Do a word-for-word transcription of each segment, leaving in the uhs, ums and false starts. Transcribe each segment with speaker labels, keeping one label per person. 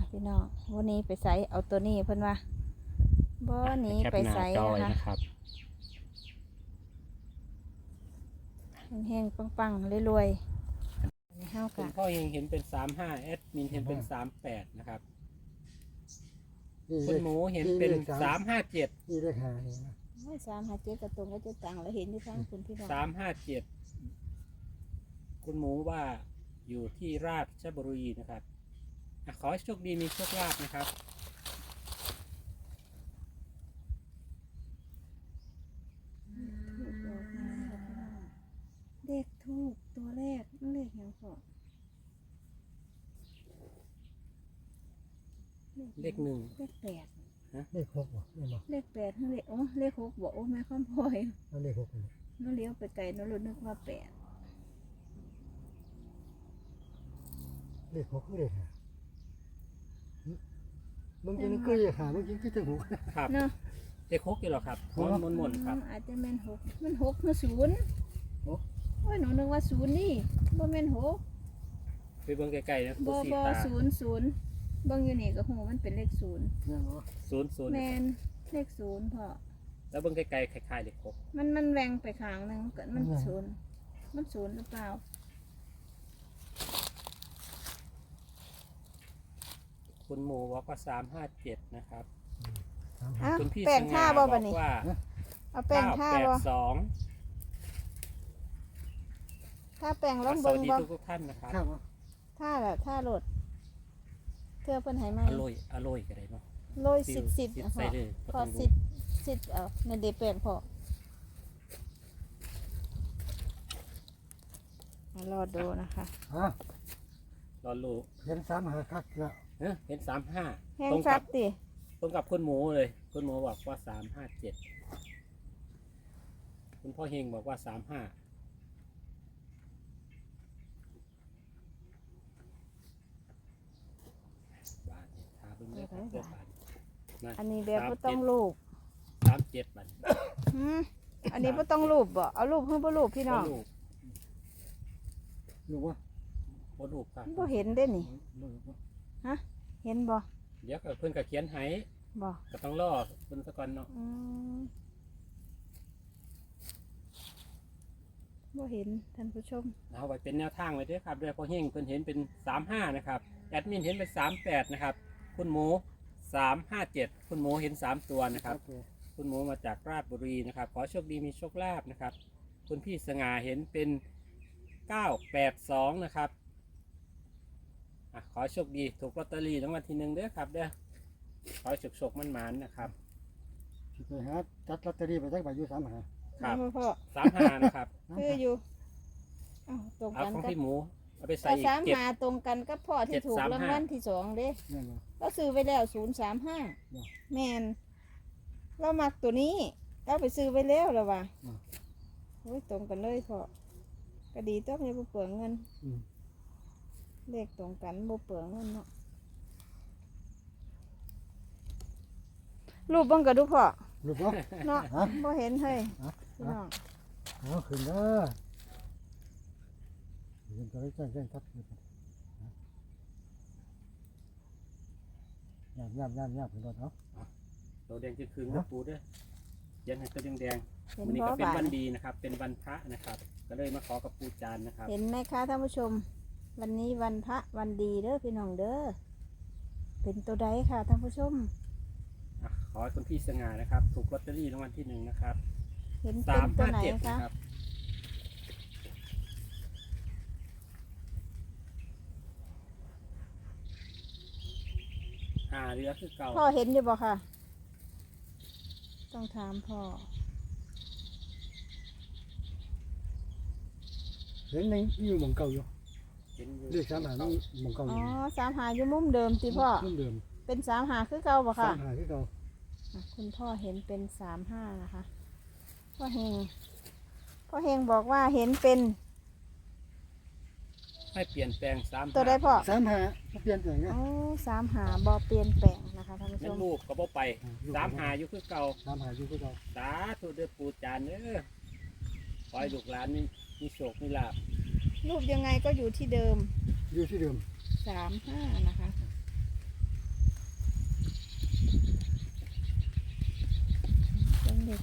Speaker 1: พี่น้องวันนี้ไปใส่เอาตัวนี้เพิ่นว่าบ่หนีไปใส่นะคะแห้งๆปังๆรวยๆในห้าว
Speaker 2: คุ
Speaker 1: กะ
Speaker 2: ณพ่อเฮงเห็นเป็นสามห้าแอดมินเห็นเป็นสามแปดนะครับคุณหมูเห็นเป็นสามห้าเจ็ด
Speaker 3: นี่เลขหาเห็นไหม
Speaker 1: ไม่สามหาเจ็ดกระตรงก็จะตังแล้วเห็นที่ทางคุณพี่น้อง
Speaker 2: สามห้าเจ็ดคุณหมูว่าอยู่ที่ราชบุรีนะครับอ่ะขอให้โชคดีมีโชคลาภนะครับ
Speaker 1: เลขทูบตัวแรกนั่นเลขหยังพอ
Speaker 2: เลขหนึ่ง
Speaker 1: เลขแปด
Speaker 3: เลขหกบ่ไม่บอก
Speaker 1: เลขแปดนั่นเลขโอ้เลขหกบอกโอ้แม่ข้ามพลอย
Speaker 3: เอาเลขหกเลย
Speaker 1: น้องเลี้ยวไปไกลน้องรู้นึกว่าแปด
Speaker 3: เลขหกคือเลขหาหึมึงกินคือเลขหามึงกินคือถึงหก
Speaker 2: ครับ
Speaker 1: เนาะ
Speaker 2: เลขหกอยู่หรอครับมนมนมนครับ
Speaker 1: อืมอาจจะแม่นหกมันหกมันศูนย์โอ้ยหนูนึกว่าศูนย์นี่บ่แม่นหก
Speaker 2: ไปเบิ่งไกลๆนะ
Speaker 1: บ่
Speaker 2: สี่
Speaker 1: บ่
Speaker 2: ตา
Speaker 1: ศูนย์ศูนย์เบิ่งอยู่นี่ก็หูมันเป็นเลขศูนย์
Speaker 3: เนี่ยเนาะ
Speaker 2: ศูนย์ศูนย์
Speaker 1: แม่นเลขศูนย์พอ
Speaker 2: แล้วเบิ่งไกลๆคล้ายๆเลขหก
Speaker 1: มันมันแหวงไปข้างหนึงก็มันศูนย์มันศูนย์หรือเปล่า
Speaker 2: คุณหมูบอกว่าสามห้าเจ็ดนะครับ
Speaker 3: สามหา
Speaker 1: อ้าว
Speaker 2: คุณพี่
Speaker 1: แป้
Speaker 2: ส
Speaker 1: ง
Speaker 2: ง่า
Speaker 1: ท่า
Speaker 2: บ
Speaker 1: บ่
Speaker 2: อ
Speaker 1: บัด
Speaker 2: ก
Speaker 1: นี้
Speaker 2: ว่า
Speaker 1: เอาแป้ง
Speaker 2: เก้า
Speaker 1: ท่า
Speaker 2: แปด
Speaker 1: บ่
Speaker 2: สอง
Speaker 1: ถ้าแป้งลอง
Speaker 2: ส
Speaker 1: เบิ่
Speaker 2: วั
Speaker 1: ง
Speaker 2: สดี
Speaker 1: บ่
Speaker 2: ทุกๆท่านนะครับ
Speaker 3: ข้าวบ่
Speaker 1: ท่าล่ะท่าโหลดเทื่อเพิ่นให้มา
Speaker 2: อร่อยอร่อยกันเลยเนาะ
Speaker 1: โรยสิบสิบ
Speaker 2: สิบ
Speaker 1: อ่ะพ
Speaker 2: ใส่
Speaker 1: อ
Speaker 2: เลย
Speaker 1: พอสิบสิบเอาในเดแป้งพอมารอดูนะคะ
Speaker 3: ฮะ
Speaker 2: รอลูก
Speaker 3: เห็นสามหาคักแล้ว
Speaker 2: เอ้ยเห็นสามห้า
Speaker 1: แห้ง
Speaker 2: ตรง
Speaker 1: คั
Speaker 2: กั
Speaker 1: ก
Speaker 2: บ
Speaker 1: ติ
Speaker 2: ตรงกับคุณหมูเลยคุณหมูบอกว่าสามห้าเจ็ดคุณพ่อเฮงบอกว่าสามห้าบาทเนี่ยทาเพิ่งได้ครับเพื่อนบาทนั่น
Speaker 1: อันนี้แบบบ่ต้องรูป
Speaker 2: สามเจ็ดบาท
Speaker 1: หืมอันนี้บ่ต้องรูปบ่เอารูปเพิ่นบ่รูปพี่น้อง
Speaker 2: ลูก
Speaker 3: รู้ว่า
Speaker 2: บ่ลูกครับ
Speaker 1: บ่เห็นเด้นี่
Speaker 3: รู้ว่า
Speaker 1: ฮะเห็นบ่
Speaker 2: เดี๋ยวก็เพิ่นก็เขียนให้
Speaker 1: บ่
Speaker 2: ก็ต้องรอเพิ่นซะก่อนเนาะ
Speaker 1: อืมบ่เห็นท่านผู้ชม
Speaker 2: เอาไว้เป็นแนวทางไว้เด้วยครับเดี๋ยวพ่อเฮงเพิ่นเห็นเป็นสามห้านะครับแอดมินเห็นเป็นสามแปดนะครับคุณหมูสามห้าเจ็ดคุณหมูเห็นสามตัวนะครับ คุณหมูมาจากราชบุรีนะครับขอโชคดีมีโชคลาภนะครับคุณพี่สง่าเห็นเป็นเก้าแปดสองนะครับอ่ะขอโชคดีถูกลอตเตอรี่รางวัลที่หนึ่งเด้อครับเด้อขอโชคโชคมันหมานๆนะครับ
Speaker 3: สิไปหาจัดลอตเตอรี่ไปจักใบอยู่สามหา
Speaker 2: ครับ
Speaker 1: เอาพ่อ
Speaker 2: สามห้านะครับ
Speaker 1: คืออยู่เอ้าตรง
Speaker 2: เอา
Speaker 1: กัน
Speaker 2: ของ
Speaker 1: กับ
Speaker 2: พี่หมูเอาไปใส่
Speaker 1: ก็
Speaker 2: อีก
Speaker 1: สาม
Speaker 2: เจ็ด
Speaker 1: หาตรงกันกับพ่อที่ถูก
Speaker 2: เจ็ดสาม
Speaker 1: ราง
Speaker 2: ห้า
Speaker 1: วัลที่สองเด้
Speaker 3: เนี่ยเนาะ
Speaker 1: เราซื้อไว้แล้วศูนย์สามห้าแมนเรามักตัวนี้เราไปซื้อไว้แล้วหรอวะโอ้ยตรงกันเลยพ่อก็ดีต้องอย่าบ่เปลืองเงิน
Speaker 3: อืม
Speaker 1: เลขตรงกันบ่เปลืองเงินเนาะรูปเบังก็ดูพ่อ
Speaker 3: รู้ว่า
Speaker 1: เนาะ
Speaker 3: ฮะ
Speaker 1: บ่เห็นเฮ้ย
Speaker 3: ฮะ
Speaker 1: พี่น้อง
Speaker 3: เอาขึ้นเด้อเห็นตัวเลขแจ้งแจ้งทับขึ้นยามยามยามยามขึ้นรถเนาะ
Speaker 2: ตัวแดงจะคืนกับปูเด้อเขียนให้ตัวแดง
Speaker 1: เห็
Speaker 2: ๆ
Speaker 1: น
Speaker 2: วันนี้
Speaker 1: บ่
Speaker 2: ก็เป็น
Speaker 1: บา
Speaker 2: วัน
Speaker 1: ด
Speaker 2: ดีนะครับ เป็นวันพระนะครับ ก็เลยมาขอกับปูจานนะครับ
Speaker 1: เห็นไหมคะท่านผู้ชม วันนี้วันพระวันดีเด้อพี่น้องเด้อเป็นตัวใดค่ะท่านผู้ชม
Speaker 2: อ่ะขอให้คุณพี่สง่านะครับ ถูกลอตเตอรี่รางวัลที่หนึ่งนะครับ
Speaker 1: เห็น
Speaker 2: สา
Speaker 1: เป็น
Speaker 2: ม
Speaker 1: ตัว
Speaker 2: ห้า
Speaker 1: ไหน
Speaker 2: เจ็ด
Speaker 1: คะ
Speaker 2: นะครับหาเรือคือเก่า
Speaker 1: พ่อเห็นอยู่บ่ค่ะ ต้องถามพ่อ
Speaker 3: เห็นในอยู่หมองเก่าอยู่
Speaker 2: เห็นอยู่
Speaker 3: เลขสามหานี่หมองเก่าอ
Speaker 1: อ๋อยู่ สามหาอยู่มุมเดิมติพ่อ
Speaker 3: เพิ่มเดิม
Speaker 1: เป็นสามหาคือเก่าบ่ค่ะ
Speaker 3: สามหาที่เก่า
Speaker 1: อ่ะคุณพ่อเห็นเป็นสามห้านะคะพ่อเฮงพ่อเฮงบอกว่าเห็นเป็น
Speaker 2: ให้เปลี่ยนแปลงสาม
Speaker 1: ตัวใดพ่อ
Speaker 3: สามหาเปลี่ยนแปลงไง
Speaker 1: อ๋อสามหาบอเปลี่ยนแปลงนะคะท่านผู้ช
Speaker 2: นั่น
Speaker 1: ม
Speaker 2: ลูกก็บ่ไปสามหาอยู่คือเก่า
Speaker 3: สามหาอยู่ที่เก่า
Speaker 2: สาธุเด้อปูจานเด้อขอให้ลูกหลานนี่มีโชคมีลาภ
Speaker 1: รูปยังไงก็อยู่ที่เดิม
Speaker 3: อยู่ที่เดิม
Speaker 1: สามห้านะคะ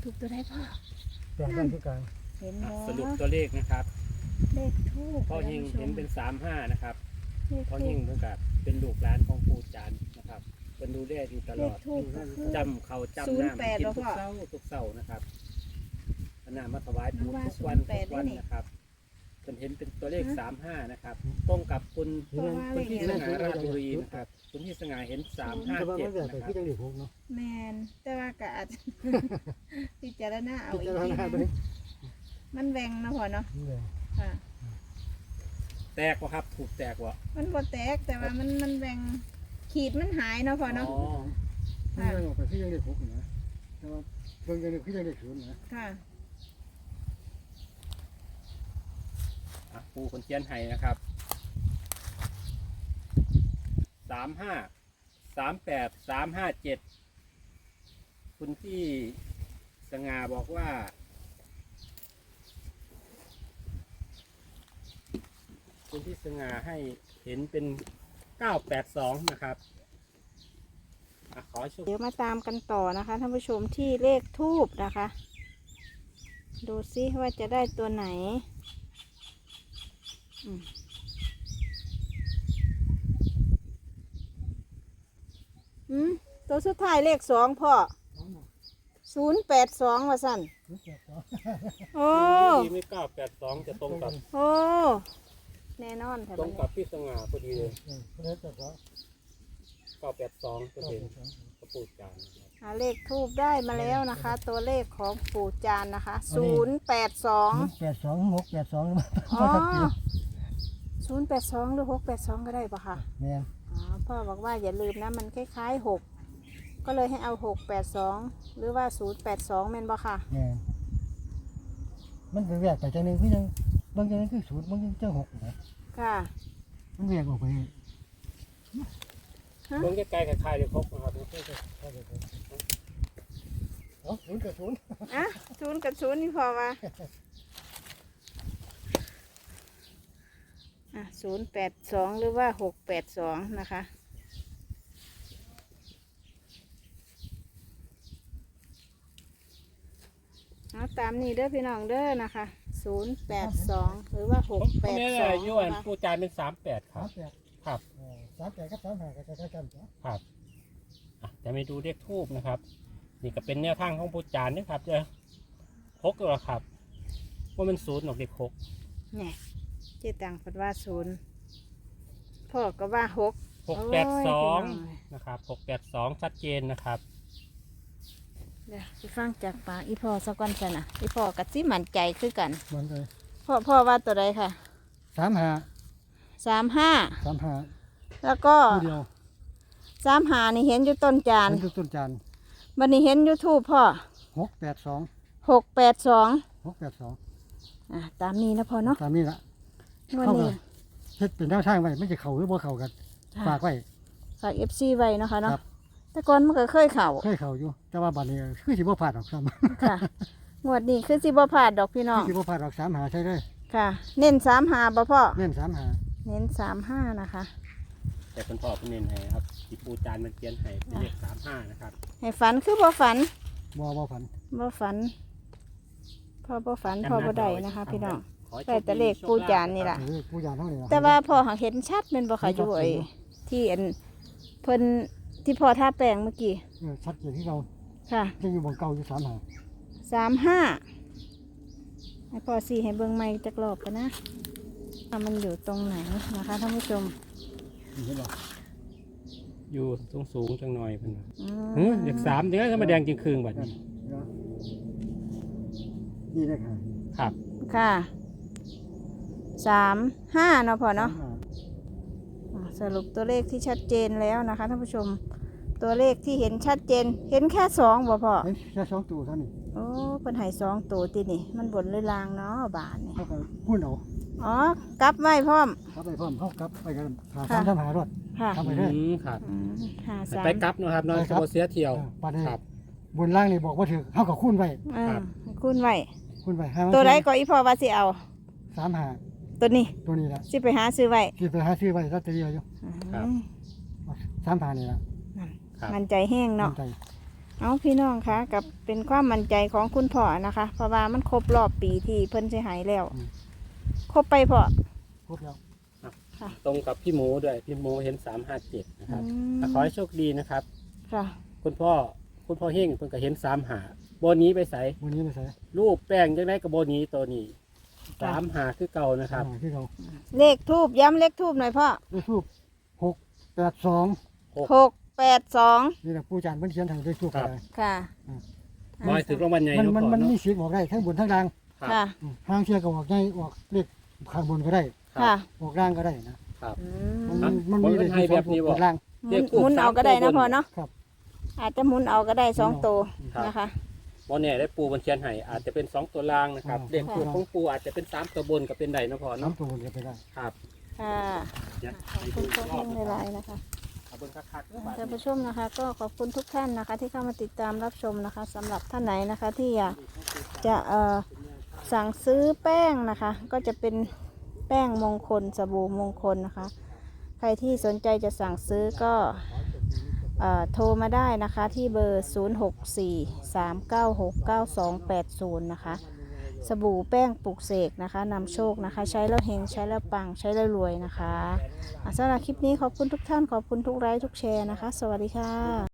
Speaker 1: ถูกตัวได้พ่อ
Speaker 3: แปดด้านที่กลาง
Speaker 1: เห็น
Speaker 2: อ่ะ
Speaker 1: บ่
Speaker 2: สรุปตัวเลขนะครับ
Speaker 1: เลขทูบ
Speaker 2: พ่อเฮงเห็นเป็นสามห้านะครับ
Speaker 1: เลข
Speaker 2: พ่อ
Speaker 1: ทู
Speaker 2: เฮ
Speaker 1: บ
Speaker 2: งเพิ่งกับเป็นลูกหลานของปู่จานนะครับเป็นดูแลอยู่ต
Speaker 1: เล
Speaker 2: ล
Speaker 1: ข
Speaker 2: อด
Speaker 1: ทูบก็คือ
Speaker 2: จำเขาจำ
Speaker 1: ศูนย์
Speaker 2: น้ำ
Speaker 1: แปด
Speaker 2: กิน
Speaker 1: เหรอ
Speaker 2: ทุ
Speaker 1: พ่
Speaker 2: ก
Speaker 1: อ
Speaker 2: เช้าทุกเช้านะครับเอาน้ำมาถวายปู่
Speaker 1: นึกว่า
Speaker 2: ทุกวัน
Speaker 1: ศูนย์แป
Speaker 2: ทุ
Speaker 1: ด
Speaker 2: กวัน
Speaker 1: นี่
Speaker 2: นะครับเป็นเห็นเป็นตัวเลข
Speaker 1: ฮะ
Speaker 2: สามห้านะครับตรงกับคุณ
Speaker 1: เพราะว่า
Speaker 2: คุณที่
Speaker 1: เล
Speaker 2: ส
Speaker 1: ข
Speaker 2: ง่าราชบุรีนะครับคุณที่สง่าเห็นสามห้า
Speaker 3: แต่ว่า
Speaker 2: เจ็
Speaker 3: มั
Speaker 2: ด
Speaker 3: นแบบ
Speaker 2: นะ
Speaker 3: ไป
Speaker 2: ค
Speaker 3: ที่
Speaker 2: รับ
Speaker 3: จังหวัดหกเนาะ
Speaker 1: แมนแต่ว่าก็อาจ พิจารณาเอา
Speaker 3: พิ
Speaker 1: อี
Speaker 3: จาก ร
Speaker 1: ที
Speaker 3: ณา
Speaker 1: นึ
Speaker 3: ไป
Speaker 1: งมันแหวงนะพ่อเนาะ
Speaker 3: นี่เลย
Speaker 1: ค่ะ
Speaker 2: แตกวะครับถูกแตกวะ
Speaker 1: มันบ่แตกแต่ว่ามันมันแหวงขีดมันหายเนาะพ่อเนาะ
Speaker 2: อ๋อ
Speaker 3: มันยังออกไปที่จังหวัดหกนะแต่ว่าเบิ่งจังหวัดที่จังหวัดศูนย์นะ
Speaker 1: ค่ะ
Speaker 2: อ่ะปู่คนเชียนไห้นะครับสามห้าสามแปดสามห้าเจ็ดคุณที่สง่าบอกว่า คุณที่สง่าให้เห็นเป็นเก้าแปดสองนะครับอ่ะขอโชค
Speaker 1: เดี๋ยวมาตามกันต่อนะคะท่านผู้ชมที่เลขทูบนะคะ ดูซิว่าจะได้ตัวไหนอืมอืมตัวสุดท้ายเลขสองพ่อศูนย์แปดสองว่าสั่นโอ้
Speaker 2: ที่ไม่เก้าแปดสองจะตรงกับ
Speaker 1: โอ้แน่นอนค่ะ
Speaker 2: ตรงกับพี่สง่าพอดีเลย
Speaker 3: เออเพราะฉะนั้นแต่ว่า
Speaker 2: เก้าแปดสองก็เห็นกระปูดจานนะครับ
Speaker 1: หาเลขทูบได้มาแล้วนะคะ ตัวเลขของปู่จานนะคะศูนย์แปดสอง
Speaker 3: แปดสองหกแปดสองมา
Speaker 1: อ๋อศูนย์แปดสองหรือหกแปดสองก็ได้ปะคะ
Speaker 3: แม่น
Speaker 1: อ๋อพ่อบอกว่าอย่าลืมนะมันคล้ายๆหกก็เลยให้เอาหกแปดสองหรือว่าศูนย์แปดสองแม่นปะค่ะ
Speaker 3: แม่นมันเป็นแยกไปจังหนึงคือจังบางจังหนึงคือศูนย์บางจังจังหกนะ
Speaker 1: ค่ะ
Speaker 3: มันแยกออกไป
Speaker 2: เบื้องใกล้ๆคล้ายๆเดี๋ยวครบนะครับ
Speaker 3: เอ้าศูนย์กับศูนย์
Speaker 1: อ่ะศูนย์กับศูนย์นี่พอวะอ่ะศูนย์แปดสองหรือว่าหกแปดสองนะคะเอาตามนี้เด้อพี่น้องเด้อนะคะศูนย์แปดสองหรือว่าห
Speaker 2: ผ
Speaker 1: ก
Speaker 2: ม
Speaker 1: แป
Speaker 2: ผม
Speaker 1: ด
Speaker 2: เนี่ย
Speaker 1: สอง
Speaker 2: อายุอันปูจานเป็นสามแปดค
Speaker 3: สา
Speaker 2: รั
Speaker 3: ม
Speaker 2: บ
Speaker 3: แปด
Speaker 2: ครับ
Speaker 3: เออสามแปดกับสามห้าก็ใกล้ๆกันจ้ะ
Speaker 2: ครับอ่ะจะไปดูเลขทูบนะครับ นี่ก็เป็นแนวทางของปูจานนะครับจะหกตัวครับว่ามันศูนย์หรอกเด็กหก
Speaker 1: เนี่ยเจ๊ตังพัดว่าศูนย์พ่อก็ว่าหก
Speaker 2: หกแปดสอง
Speaker 1: โยพี่น้ย
Speaker 2: นะครับหกแปดสองชัดเจนนะครับ
Speaker 1: เดี๋ยวไปฟังจากปากอีพ่อสักวันกันนะอีพ่อกับซิมั่นใจคือกัน
Speaker 3: เหมือนเลย
Speaker 1: พ่อพ่อว่าตัวใดค่ะ
Speaker 3: สามห้า
Speaker 1: สามห้า
Speaker 3: สามห้า
Speaker 1: แล้วก็
Speaker 3: คู่เดียว
Speaker 1: สามหานี่เห็นอยู่ต้นจาน
Speaker 3: มันคือต้นจาน
Speaker 1: วันนี้เห็นยูทูบพ่อ
Speaker 3: หกแปดสอง
Speaker 1: หกแปดสอง
Speaker 3: หกแปดสอง
Speaker 1: อ่ะตามนี้นะพ่อเนาะ
Speaker 3: ตามนี้ละ
Speaker 1: วัน
Speaker 3: เข้า
Speaker 1: นี้
Speaker 3: กัน เฮ็ดเป็นแนวทางไว้ไม่จะเข้าหรือบ่เข้ากันฝากไว้
Speaker 1: ฝากเอฟซีไว้เนาะคะเนาะ
Speaker 3: ครับ
Speaker 1: แต่ก่อนมันก็เคยเข่า
Speaker 3: เคยเข้าอยู่ แต่ว่าบัดนี้คือสิบ่พลาดหรอกซ้ำ
Speaker 1: ค่ะงวดนี้คือสิบ่พลาดดอกพี่น้อ
Speaker 3: คือง สิบ่พลาดหรอกสามหาใช่เลย
Speaker 1: ค่ะ เน้นสามหาบ่พ่อ
Speaker 3: เน้นสามหา
Speaker 1: เน้นสามห้านะคะ
Speaker 2: แต่คุณพ่อคุณเน้นให้ครับที่ปูจานมันเขียนให้เป็นเลขสามห้านะครับ
Speaker 1: ให้ฝันคือบ่ฝัน
Speaker 3: บ่บ่ฝัน
Speaker 1: บ่ฝันพ่อบ่ฝันพ่อบ่ได้นะคะ พี่น้อง
Speaker 2: ขอให้โชค
Speaker 1: แต่แต่เลขปูจานนี่ล่ะ
Speaker 3: เออผู้ยานเท่านี้ล่ะ
Speaker 1: แต่ว่าพ่อหักเห็นชัดเป็นบ่ค่ะอยู่ไอ้ที่อันเพิ่นที่พ่อท่าแปลงเมื่อกี้
Speaker 3: เออชัดเจนที่เรา
Speaker 1: ค่ะ
Speaker 3: จะอยู่บนเก่าอยู่สามหา
Speaker 1: สามห้าให้พ่อสี่ให้เบิ่งใหม่จักรอบกันนะว่ามันอยู่ตรงไหนนะคะท่านผู้ชม
Speaker 3: เห็นบ่
Speaker 2: อยู่สูงสูงๆจังหน่อยเพิ่นว่า
Speaker 1: อื
Speaker 2: เฮ้ยเลขสามเดี๋ยวจะมาแดงจริงคืนแบบนี้
Speaker 3: นี่เลยค่ะ
Speaker 2: ครับ
Speaker 1: ค่ะสามห้าเนาะพ่อเนาะ
Speaker 3: สมห
Speaker 1: อ่าสรุปตัวเลขที่ชัดเจนแล้วนะคะท่านผู้ชม ตัวเลขที่เห็นชัดเจน เห็นแค่สองบ่พ่อ
Speaker 3: เห็นแค่สองตัวเท่านี้
Speaker 1: โอ้เพิ่นให้สองตัวตินี่ มันบนหรือลางเนาะบาทนี่
Speaker 3: เขาก็พูดเอา
Speaker 1: อ๋อกลับไว้พร้อม
Speaker 3: เขาไปพร้อมเขากลับไปกันหา
Speaker 1: ค่ะ
Speaker 3: สามสามหารถ
Speaker 1: ค่ะ
Speaker 3: ทำไปเรื่อย
Speaker 2: อืมครับ
Speaker 1: อืมห้าสาม
Speaker 2: ไปกลับเนาะครับเนอน
Speaker 3: ไป
Speaker 2: ข
Speaker 3: กลับ
Speaker 2: บเสียเที่ยว
Speaker 3: ปันนี้
Speaker 2: ครับ
Speaker 3: บนล่างนี่บอกว่าถือเขาก็คูณไว้
Speaker 1: เออ
Speaker 2: ครับ
Speaker 1: คูณไว้
Speaker 3: คูณไว้ให้มัน
Speaker 1: ตัวใดก็อีพ่อว่าสิเอา
Speaker 3: สามหา
Speaker 1: ตัวนี้
Speaker 3: ตัวนี้ละ
Speaker 1: สิไปหาซื้อไว้
Speaker 3: ที่ไปหาซื้อไว้ลอตเตอรี่ไว้อยู่
Speaker 2: ครับ
Speaker 1: อืม
Speaker 3: สามหานี่ละ
Speaker 2: ครับ
Speaker 1: มันใจแห้งเนาะ
Speaker 3: มั่นใจ
Speaker 1: เอาพี่น้องคะกับเป็นความมั่นใจของคุณพ่อนะคะ เพราะว่ามันครบรอบปีที่เพิ่นสิหายแล้ว ครบไปพ่อ
Speaker 3: ครบแล้ว
Speaker 2: ตรงกับพี่หมูด้วยพี่หมูเห็นสามห้าเจ็ดนะครับ
Speaker 1: อืม
Speaker 2: อ่ะขอให้โชคดีนะครับ
Speaker 1: ค่ะ
Speaker 2: คุณพ่อคุณพ่อเฮงเพิ่นก็เห็นสามหาโบนี้ไปใส่
Speaker 3: วันนี้ไม่ใส่
Speaker 2: รูปแป้งยังได้กับโบนี้ตัวนี้สามหาคือเก่านะครับ
Speaker 3: อ่าที่เรา
Speaker 1: เลขทูบย้ำเลขทูบหน่อยพ่อ
Speaker 3: เลขทูบหกแปดสอง
Speaker 1: หกแปดสอง
Speaker 3: นี่แหละผู้จานเพิ่นเขียนทางเลขทูบ
Speaker 2: ครับ
Speaker 3: อะไร
Speaker 1: ค่ะ
Speaker 2: บอยถึงรางวัลใหญ่
Speaker 3: มัน
Speaker 2: เนาะ
Speaker 3: มัน
Speaker 2: พ่อ
Speaker 3: มัน
Speaker 2: เนาะ
Speaker 3: มีสิทธิ์ออกได้ทั้งบนทั้งล่าง
Speaker 2: ครับ
Speaker 1: ค่ะ
Speaker 3: อืมทางเชียร์ก็ออกใหญ่ออกเลขข้างบนก็ได้
Speaker 1: ค่ะ
Speaker 3: ออกล่างก็ได้นะครับ
Speaker 1: อื
Speaker 3: มัน
Speaker 1: ม
Speaker 3: มันมีเลข
Speaker 2: ให้
Speaker 3: ที่ส
Speaker 2: แบ
Speaker 3: อง
Speaker 2: บนี้บ่
Speaker 3: บนล่าง
Speaker 1: หมุนหมุนเอาก็ได้นะพ่อเนาะ
Speaker 3: ครับ
Speaker 1: อาจจะหมุนเอาก็ได้สองตัว
Speaker 2: ครับ
Speaker 1: นะคะ
Speaker 2: โบเนี่ยได้ปูบนเชียนไห้อาจจะเป็นสองตัวล่างนะครับ
Speaker 3: อ่า
Speaker 2: เลขปูของปูอาจจะเป็นสามตัวบนกับเป็นใดเนาะพ่อ
Speaker 3: น้ำ
Speaker 2: เนาะ
Speaker 3: ตัวบนก็ไปได้
Speaker 2: ครับ
Speaker 1: ค่ะ
Speaker 2: เดี๋ยว
Speaker 1: ขอบคุณพ่อเฮงหลายๆนะคะ
Speaker 2: เอาเบิ่งคักๆเด้อบัด
Speaker 1: ท่าน
Speaker 2: นี้
Speaker 1: ผู้ชมนะคะก็ขอบคุณทุกท่านนะคะที่เข้ามาติดตามรับชมนะคะสำหรับท่านไหนนะคะที่อยากจะเอ่อสั่งซื้อแป้งนะคะ ก็จะเป็นแป้งมงคลสบู่มงคลนะคะ ใครที่สนใจจะสั่งซื้อก็เอ่อโทรมาได้นะคะที่เบอร์ ศูนย์ หก สี่ สาม เก้า หก เก้า สอง แปด ศูนย์ นะคะ สบู่แป้งปลุกเสกนะคะนำโชคนะคะ ใช้แล้วเฮงใช้แล้วปังใช้แล้วรวยนะคะอ่ะสำหรับคลิปนี้ขอบคุณทุกท่านขอบคุณทุกไลค์ทุกแชร์นะคะ สวัสดีค่ะ